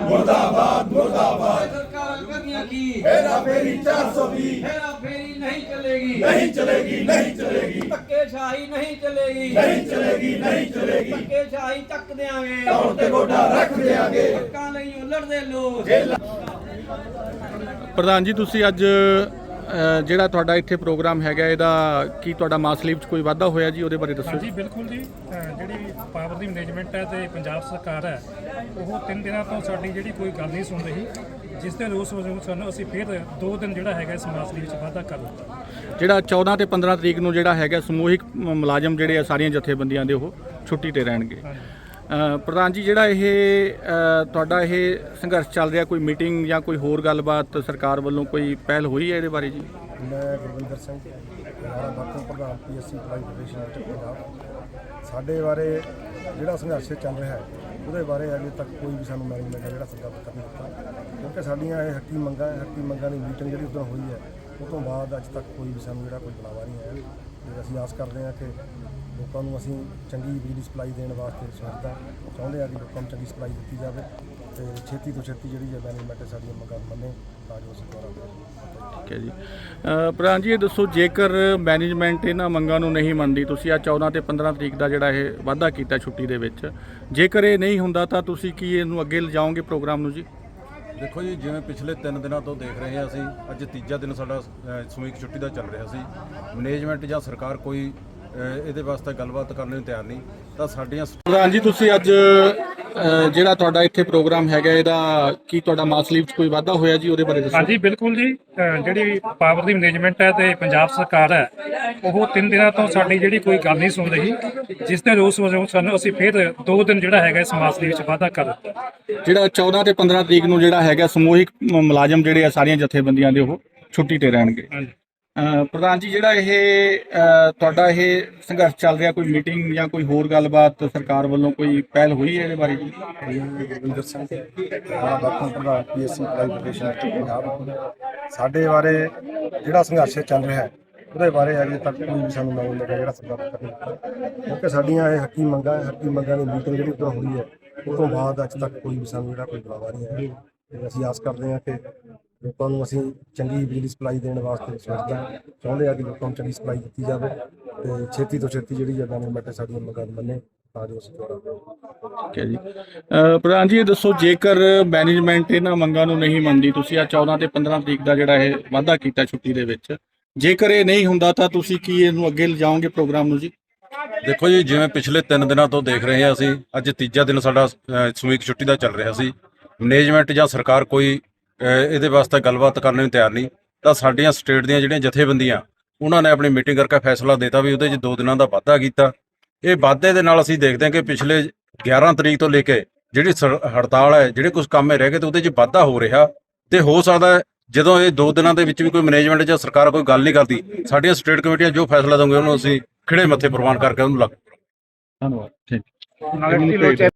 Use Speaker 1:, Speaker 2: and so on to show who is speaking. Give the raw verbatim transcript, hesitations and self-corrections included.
Speaker 1: मुर्दाबाद मुर्दाबाद
Speaker 2: सरकार करनिया की
Speaker 1: हेरा फेरी चार सौ बीस
Speaker 2: हेरा फेरी नहीं चलेगी
Speaker 1: नहीं चलेगी नहीं चलेगी
Speaker 2: धक्केशाही नहीं चलेगी
Speaker 1: नहीं चलेगी नहीं चलेगी
Speaker 2: धक्केशाही ਚੱਕ ਦਿਆਂਗੇ
Speaker 1: तौर ते गोडा रख देंगे
Speaker 2: ਹੱਕਾਂ ਲਈ ਲੜਦੇ ਲੋਕ।
Speaker 3: ਪ੍ਰਧਾਨ ਜੀ ਤੁਸੀਂ ਅੱਜ ਅ, ਜਿਹੜਾ ਤੁਹਾਡਾ ਇੱਥੇ ਪ੍ਰੋਗਰਾਮ ਹੈਗਾ ਇਹਦਾ ਕੀ ਤੁਹਾਡਾ ਮਾਸ ਲੀਵ 'ਚ ਕੋਈ ਵਾਧਾ ਹੋਇਆ ਜੀ ਉਹਦੇ ਬਾਰੇ ਦੱਸੋ।
Speaker 4: ਹਾਂਜੀ ਬਿਲਕੁਲ ਜੀ, ਅ, ਜਿਹੜੀ ਪਾਵਰ ਦੀ ਮੈਨੇਜਮੈਂਟ ਹੈ ਤੇ ਪੰਜਾਬ ਸਰਕਾਰ ਹੈ ਉਹ ਤਿੰਨ ਦਿਨਾਂ ਤੋਂ ਸਾਡੀ ਜਿਹੜੀ ਕੋਈ ਗੱਲ ਨਹੀਂ ਸੁਣ ਰਹੀ, ਜਿਸ ਦੇ ਰੋਸ ਵਜੋਂ ਸਾਨੂੰ ਅਸੀਂ ਫਿਰ ਦੋ ਦਿਨ ਜਿਹੜਾ ਹੈਗਾ ਇਸ ਮਾਸ ਲੀਵ ਵਿੱਚ ਵਾਧਾ ਕਰ ਦਿੱਤਾ।
Speaker 3: ਜਿਹੜਾ ਚੌਦਾਂ ਤੇ ਪੰਦਰਾਂ ਤਰੀਕ ਨੂੰ ਜਿਹੜਾ ਹੈਗਾ ਸਮੂਹਿਕ ਮ- ਮੁਲਾਜ਼ਮ ਜਿਹੜੇ ਆ ਸਾਰੀਆਂ ਜਥੇਬੰਦੀਆਂ ਦੇ ਉਹ ਛੁੱਟੀ ਤੇ ਰਹਿਣਗੇ। ਅ, ਪ੍ਰਧਾਨ ਜੀ ਜਿਹੜਾ ਇਹ ਅ, ਤੁਹਾਡਾ ਇਹ ਸੰਘਰਸ਼ ਚੱਲ ਰਿਹਾ, ਕੋਈ ਮੀਟਿੰਗ ਜਾਂ ਕੋਈ ਹੋਰ ਗੱਲਬਾਤ ਸਰਕਾਰ ਵੱਲੋਂ ਕੋਈ ਪਹਿਲ ਹੋਈ ਹੈ ਇਹਦੇ ਬਾਰੇ ਜੀ?
Speaker 5: ਮੈਂ ਗੁਰਵਿੰਦਰ ਸਿੰਘ ਹਰਿਆਣਾ ਵਰਕਿੰਗ ਪ੍ਰਧਾਨ P S C apply federation of Punjab. ਸਾਡੇ ਬਾਰੇ ਜਿਹੜਾ ਸੰਘਰਸ਼ ਚੱਲ ਰਿਹਾ ਹੈ ਉਹਦੇ ਬਾਰੇ ਅਜੇ ਤੱਕ ਕੋਈ ਵੀ ਸਾਨੂੰ ਮੈਨੇਜਮੈਂਟ ਹੈ ਜਿਹੜਾ ਸਰਕਾਰ ਕਰ ਨਹੀਂ ਦਿੱਤਾ, ਕਿਉਂਕਿ ਸਾਡੀਆਂ ਇਹ ਹੱਕੀ ਮੰਗਾਂ ਹੈ ਹੱਕੀ ਮੰਗਾਂ ਦੀ ਮੀਟਿੰਗ ਜਿਹੜੀ ਉੱਧਰ ਹੋਈ ਹੈ ਉਹ ਤੋਂ ਬਾਅਦ ਅੱਜ ਤੱਕ ਕੋਈ ਵੀ ਸਾਨੂੰ ਜਿਹੜਾ ਕੋਈ ਬੁਲਾਵਾ ਨਹੀਂ ਆਇਆ। ਤੇ ਅਸੀਂ ਆਸ ਕਰਦੇ ਹਾਂ ਕਿ ਲੋਕਾਂ ਨੂੰ ਅਸੀਂ ਚੰਗੀ ਬਿਜਲੀ ਸਪਲਾਈ ਦੇਣ ਵਾਸਤੇ ਸੋਚਦਾ ਚਾਹੁੰਦੇ ਹਾਂ ਕਿ ਲੋਕਾਂ ਨੂੰ ਚੰਗੀ ਸਪਲਾਈ ਦਿੱਤੀ ਜਾਵੇ ਤੇ ਛੇਤੀ ਤੋਂ ਛੇਤੀ ਜਿਹੜੀ ਹੈ ਮੈਨੇਜਮੈਂਟ ਸਾਡੀਆਂ ਮੰਗਾਂ ਮੰਨੇ ਤਾਂ ਜੋ ਅਸੀਂ ਦੁਆਰਾ
Speaker 3: ਠੀਕ ਹੈ ਜੀ। ਅ, ਪ੍ਰਧਾਨ ਜੀ ਇਹ ਦੱਸੋ, ਜੇਕਰ ਮੈਨੇਜਮੈਂਟ ਇਹਨਾਂ ਮੰਗਾਂ ਨੂੰ ਨਹੀਂ ਮੰਨਦੀ, ਤੁਸੀਂ ਆ ਚੌਦਾਂ ਤੇ ਪੰਦਰਾਂ ਤਰੀਕ ਦਾ ਜਿਹੜਾ ਇਹ ਵਾਧਾ ਕੀਤਾ ਛੁੱਟੀ ਦੇ ਵਿੱਚ, ਜੇਕਰ ਇਹ ਨਹੀਂ ਹੁੰਦਾ ਤਾਂ ਤੁਸੀਂ ਕੀ ਇਹਨੂੰ ਅੱਗੇ ਲਿਜਾਓਗੇ ਪ੍ਰੋਗਰਾਮ ਨੂੰ ਜੀ?
Speaker 6: ਦੇਖੋ ਜੀ, ਜਿਵੇਂ ਪਿਛਲੇ ਤਿੰਨ ਦਿਨਾਂ ਤੋਂ ਦੇਖ ਰਹੇ ਹਾਂ ਅਸੀਂ, ਅੱਜ ਤੀਜਾ ਦਿਨ ਸਾਡਾ ਅ, ਸਮੂਹਿਕ ਛੁੱਟੀ ਦਾ ਚੱਲ ਰਿਹਾ ਸੀ। ਮੈਨੇਜਮੈਂਟ ਜਾਂ ਸਰਕਾਰ ਕੋਈ ਅ, ਇਹਦੇ ਵਾਸਤੇ ਗੱਲਬਾਤ ਕਰਨ ਨੂੰ ਤਿਆਰ ਨਹੀਂ, ਤਾਂ ਸਾਡੀਆਂ
Speaker 3: ਪ੍ਰਧਾਨ ਜੀ ਤੁਸੀਂ ਅੱਜ ਅ, ਜਿਹੜਾ ਤੁਹਾਡਾ ਇੱਥੇ ਪ੍ਰੋਗਰਾਮ ਹੈਗਾ ਇਹਦਾ ਕੀ ਤੁਹਾਡਾ ਮਾਸ ਲੀਵ 'ਚ ਕੋਈ ਵਾਧਾ ਹੋਇਆ ਜੀ ਉਹਦੇ ਬਾਰੇ ਦੱਸੋ।
Speaker 4: ਹਾਂਜੀ ਬਿਲਕੁਲ ਜੀ, ਅ, ਜਿਹੜੀ ਪਾਵਰ ਦੀ ਮੈਨੇਜਮੈਂਟ ਹੈ ਤੇ ਪੰਜਾਬ ਸਰਕਾਰ ਹੈ ਉਹ ਤਿੰਨ ਦਿਨਾਂ ਤੋਂ ਸਾਡੀ ਜਿਹੜੀ ਕੋਈ ਗੱਲ ਨਹੀਂ ਸੁਣ ਰਹੀ, ਜਿਸ ਦੇ ਰੋਸ ਵਜੋਂ ਸਾਨੂੰ ਅਸੀਂ ਫਿਰ ਦੋ ਦਿਨ ਜਿਹੜਾ ਹੈਗਾ ਇਸ ਮਾਸ ਲੀਵ ਵਿੱਚ ਵਾਧਾ ਕਰ ਦਿੱਤਾ।
Speaker 3: ਜਿਹੜਾ ਚੌਦਾਂ ਤੇ ਪੰਦਰਾਂ ਤਰੀਕ ਨੂੰ ਜਿਹੜਾ ਹੈਗਾ ਸਮੂਹਿਕ ਮ- ਮੁਲਾਜ਼ਮ ਜਿਹੜੇ ਆ ਸਾਰੀਆਂ ਜਥੇਬੰਦੀਆਂ ਦੇ ਉਹ ਛੁੱਟੀ ਤੇ ਰਹਿਣਗੇ।
Speaker 4: ਹਾਂਜੀ
Speaker 3: ਅ, ਪ੍ਰਧਾਨ ਜੀ ਜਿਹੜਾ ਇਹ ਅ, ਤੁਹਾਡਾ ਇਹ ਸੰਘਰਸ਼ ਚੱਲ ਰਿਹਾ, ਕੋਈ ਮੀਟਿੰਗ ਜਾਂ ਕੋਈ ਹੋਰ ਗੱਲਬਾਤ ਸਰਕਾਰ ਵੱਲੋਂ ਕੋਈ ਪਹਿਲ ਹੋਈ ਹੈ ਇਹਦੇ ਬਾਰੇ ਜੀ?
Speaker 5: ਗੁਰਵਿੰਦਰ ਸਿੰਘ ਹਰਿਆਣਾ ਵਰਕਿੰਗ ਪ੍ਰਧਾਨ P S C apply federation of Punjab. ਸਾਡੇ ਬਾਰੇ ਜਿਹੜਾ ਸੰਘਰਸ਼ ਚੱਲ ਰਿਹਾ ਹੈ ਉਹਦੇ ਬਾਰੇ ਅਜੇ ਤੱਕ ਕੋਈ ਵੀ ਸਾਨੂੰ ਮੈਨੇਜਮੈਂਟ ਹੈ ਜਿਹੜਾ ਸਰਕਾਰ ਕਰ ਨਹੀਂ ਦਿੱਤਾ, ਕਿਉਂਕਿ ਸਾਡੀਆਂ ਇਹ ਹੱਕੀ ਮੰਗਾਂ ਹੈ ਹੱਕੀ ਮੰਗਾਂ ਦੀ ਮੀਟਿੰਗ ਜਿਹੜੀ ਉੱਧਰ ਹੋਈ ਹੈ ਉਹ ਤੋਂ ਬਾਅਦ ਅੱਜ ਤੱਕ ਕੋਈ ਵੀ ਸਾਨੂੰ ਜਿਹੜਾ ਕੋਈ ਬੁਲਾਵਾ ਨਹੀਂ ਆਇਆ। ਤੇ ਅਸੀਂ ਆਸ ਕਰਦੇ ਹਾਂ ਕਿ ਲੋਕਾਂ ਨੂੰ ਅਸੀਂ ਚੰਗੀ ਬਿਜਲੀ ਸਪਲਾਈ ਦੇਣ ਵਾਸਤੇ ਸੋਚਦਾ ਚਾਹੁੰਦੇ ਹਾਂ ਕਿ ਲੋਕਾਂ ਨੂੰ ਚੰਗੀ ਸਪਲਾਈ ਦਿੱਤੀ ਜਾਵੇ ਤੇ ਛੇਤੀ ਤੋਂ ਛੇਤੀ ਜਿਹੜੀ ਹੈ ਮੈਨੇਜਮੈਂਟ ਸਾਡੀਆਂ ਮੰਗਾਂ ਮੰਨੇ ਤਾਂ ਜੋ ਅਸੀਂ ਦੁਆਰਾ
Speaker 3: ਠੀਕ ਹੈ ਜੀ। ਅ, ਪ੍ਰਧਾਨ ਜੀ ਇਹ ਦੱਸੋ, ਜੇਕਰ ਮੈਨੇਜਮੈਂਟ ਇਹਨਾਂ ਮੰਗਾਂ ਨੂੰ ਨਹੀਂ ਮੰਨਦੀ, ਤੁਸੀਂ ਆ ਚੌਦਾਂ ਤੇ ਪੰਦਰਾਂ ਤਰੀਕ ਦਾ ਜਿਹੜਾ ਇਹ ਵਾਧਾ ਕੀਤਾ ਛੁੱਟੀ ਦੇ ਵਿੱਚ, ਜੇਕਰ ਇਹ ਨਹੀਂ ਹੁੰਦਾ ਤਾਂ ਤੁਸੀਂ ਕੀ ਇਹਨੂੰ ਅੱਗੇ ਲਿਜਾਓਗੇ ਪ੍ਰੋਗਰਾਮ ਨੂੰ ਜੀ?
Speaker 6: ਦੇਖੋ ਜੀ, ਜਿਵੇਂ ਪਿਛਲੇ ਤਿੰਨ ਦਿਨਾਂ ਤੋਂ ਦੇਖ ਰਹੇ ਹਾਂ ਅਸੀਂ, ਅੱਜ ਤੀਜਾ ਦਿਨ ਸਾਡਾ ਅ, ਸਮੂਹਿਕ ਛੁੱਟੀ ਦਾ ਚੱਲ ਰਿਹਾ ਸੀ। ਮੈਨੇਜਮੈਂਟ ਜਾਂ ਸਰਕਾਰ ਕੋਈ ਅ, ਇਹਦੇ ਵਾਸਤੇ ਗੱਲਬਾਤ ਕਰਨ ਨੂੰ ਤਿਆਰ ਨਹੀਂ, ਤਾਂ ਸਾਡੀਆਂ ਸਟੇਟ ਦੀਆਂ ਜਿਹੜੀਆਂ ਜਥੇਬੰਦੀਆਂ ਉਹਨਾਂ ਨੇ ਆਪਣੀ ਮੀਟਿੰਗ ਕਰਕੇ ਫੈਸਲਾ ਦਿੱਤਾ ਵੀ ਉਹਦੇ 'ਚ ਦੋ ਦਿਨਾਂ ਦਾ ਵਾਧਾ ਕੀਤਾ। ਇਹ ਵਾਧੇ ਦੇ ਨਾਲ ਅਸੀਂ ਦੇਖਦੇ ਹਾਂ ਕਿ ਪਿਛਲੇ ਗਿਆਰਾਂ ਤਰੀਕ ਤੋਂ ਲੈ ਕੇ ਜਿਹੜੀ ਸਰ- ਹੜਤਾਲ ਹੈ, ਜਿਹੜੇ ਕੁਝ ਕੰਮ ਰਹਿ ਗਏ ਤੇ ਉਹਦੇ 'ਚ ਵਾਧਾ ਹੋ ਰਿਹਾ, ਤੇ ਹੋ ਸਕਦਾ ਹੈ ਜਦੋਂ ਇਹ ਦੋ ਦਿਨਾਂ ਦੇ ਵਿੱਚ ਵੀ ਕੋਈ ਮੈਨੇਜਮੈਂਟ ਜਾਂ ਸਰਕਾਰ ਕੋਈ ਗੱਲ ਨਹੀਂ ਕਰਦੀ, ਸਾਡੀਆਂ ਸਟੇਟ ਕਮੇਟੀਆਂ ਜੋ ਫੈਸਲਾ ਦੇਣਗੇ ਉਹਨੂੰ ਅਸੀਂ ਖਿੜੇ ਮੱਥੇ ਪ੍ਰਵਾਨ ਕਰਕੇ ਉਹਨੂੰ ਲਾਗੂ ਕਰਾਂਗੇ।
Speaker 3: ਧੰਨਵਾਦ। ਠੀਕ।